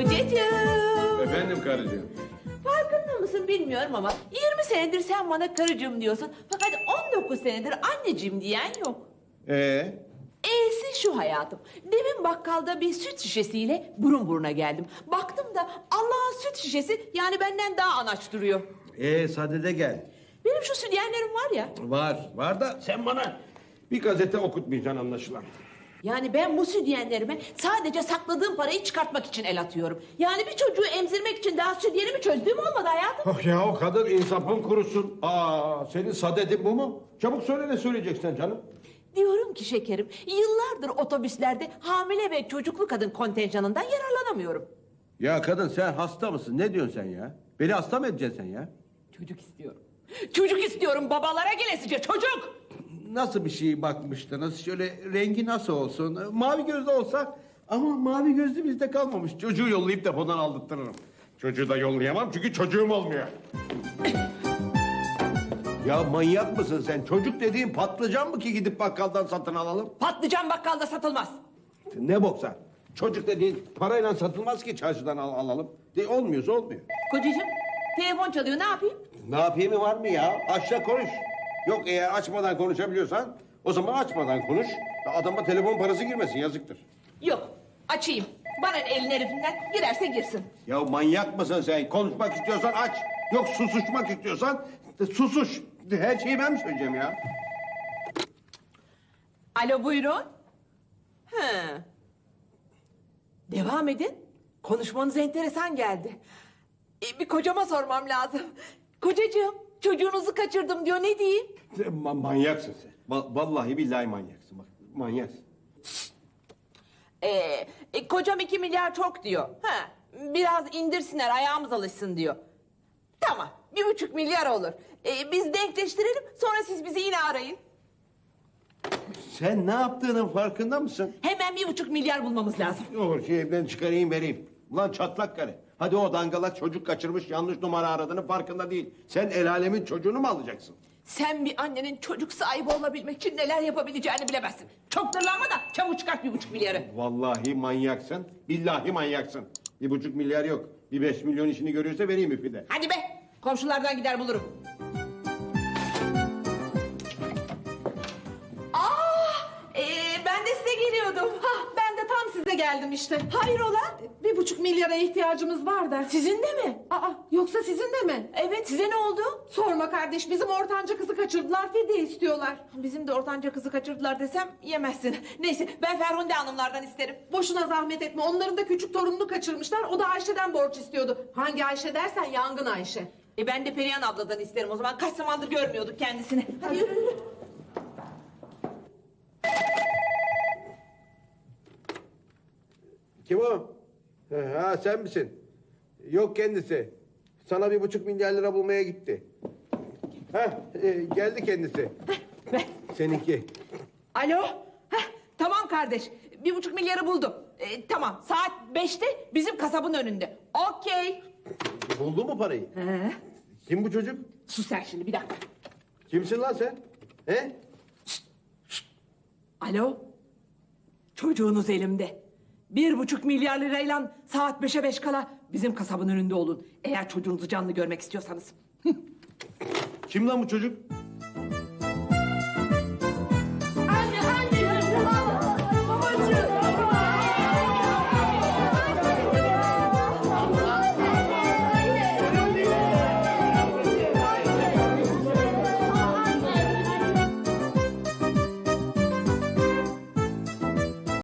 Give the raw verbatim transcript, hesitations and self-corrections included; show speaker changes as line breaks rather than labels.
Kocacığım.
Efendim karıcığım.
Farkında mısın bilmiyorum ama yirmi senedir sen bana karıcığım diyorsun. Fakat on dokuz senedir anneciğim diyen yok.
Ee?
E'si şu hayatım. Demin bakkalda bir süt şişesiyle burun buruna geldim. Baktım da Allah'ın süt şişesi yani benden daha anaç duruyor.
Ee sadede gel.
Benim şu sütyenlerim var ya.
Var, var da sen bana bir gazete okutmayacaksın anlaşılan.
Yani ben bu sütyenlerime sadece sakladığım parayı çıkartmak için el atıyorum. Yani bir çocuğu emzirmek için daha sütyenimi çözdüğüm olmadı hayatım.
Oh ya o kadın insafın kurusun. Aa senin sadedin bu mu? Çabuk söyle ne söyleyeceksin canım?
Diyorum ki şekerim, yıllardır otobüslerde hamile ve çocuklu kadın kontenjanından yararlanamıyorum.
Ya kadın sen hasta mısın? Ne diyorsun sen ya? Beni hasta mı edeceksin sen ya?
Çocuk istiyorum. Çocuk istiyorum babalara gelesice çocuk.
Nasıl bir şey bakmıştınız? Şöyle rengi nasıl olsun? Mavi gözlü olsa ama mavi gözlü bizde kalmamış. Çocuğu yollayıp depodan aldırtırırım. Çocuğu da yollayamam çünkü çocuğum olmuyor. Ya manyak mısın sen? Çocuk dediğin patlıcan mı ki gidip bakkaldan satın alalım?
Patlıcan bakkalda satılmaz.
Ne boksa? Çocuk dediğin parayla satılmaz ki çarşıdan al alalım. De, olmuyorsa olmuyor.
Kocacığım, telefon çalıyor ne yapayım?
Ne yapayım var mı ya? Aşağı konuş. Yok eğer açmadan konuşabiliyorsan o zaman açmadan konuş. Adama telefon parası girmesin yazıktır.
Yok, açayım. Bana elin herifinden girerse girsin.
Ya manyak mısın sen? Konuşmak istiyorsan aç. Yok susuşmak istiyorsan de susuş. De, her şeyi ben mi söyleyeceğim ya?
Alo buyurun. Hı. Devam edin. Konuşmanız enteresan geldi. Ee, bir kocama sormam lazım. Kocacığım, çocuğunuzu kaçırdım diyor ne diyeyim?
Ma- manyaksın sen. Va- vallahi billahi manyaksın. Bak manyaksın.
Ee, e, kocam iki milyar çok diyor. Ha, biraz indirsinler ayağımız alışsın diyor. Tamam bir buçuk milyar olur. Ee, biz denkleştirelim sonra siz bizi yine arayın.
Sen ne yaptığının farkında mısın?
Hemen bir buçuk milyar bulmamız lazım.
Olur şey evden çıkarayım vereyim. Ulan çatlak karı. Hadi o dangalak çocuk kaçırmış yanlış numara aradığının farkında değil. Sen el alemin çocuğunu mu alacaksın?
Sen bir annenin çocuk sahibi olabilmek için neler yapabileceğini bilemezsin. Çok dırlanma da çabuk çıkart bir buçuk milyarı.
Vallahi manyaksın. Billahi manyaksın. Bir buçuk milyar yok. Bir beş milyon işini görürse vereyim müfide.
Hadi be komşulardan gider bulurum. Ee, ben de size geliyordum.
Hah, ben de tam size geldim işte.
Hayrola?
Bir buçuk milyara ihtiyacımız var da.
Sizin de mi?
Aa, yoksa sizin de mi?
Evet, size ne oldu?
Sorma kardeş, bizim ortanca kızı kaçırdılar, fidye istiyorlar.
Bizim de ortanca kızı kaçırdılar desem yemezsin. Neyse, ben Ferhunde Hanımlardan isterim.
Boşuna zahmet etme, onların da küçük torununu kaçırmışlar, o da Ayşe'den borç istiyordu. Hangi Ayşe dersen Yangın Ayşe.
E ben de Perihan abladan isterim o zaman. Kaç zamandır görmüyorduk kendisini. Hadi yürü yürü.
Kim o? Ha sen misin? Yok kendisi. Sana bir buçuk milyar lira bulmaya gitti. Ha geldi kendisi.
Ver.
Seninki.
Alo. Heh, tamam kardeş. Bir buçuk milyarı buldum. E, tamam saat beşte bizim kasabın önünde. Okey.
Buldu mu parayı?
He.
Kim bu çocuk?
Sus sen şimdi bir dakika.
Kimsin lan sen? He?
Alo. Çocuğunuz elimde. Bir buçuk milyar lirayla saat beşe beş kala bizim kasabın önünde olun. Eğer çocuğunuzu canlı görmek istiyorsanız.
Kim lan bu çocuk?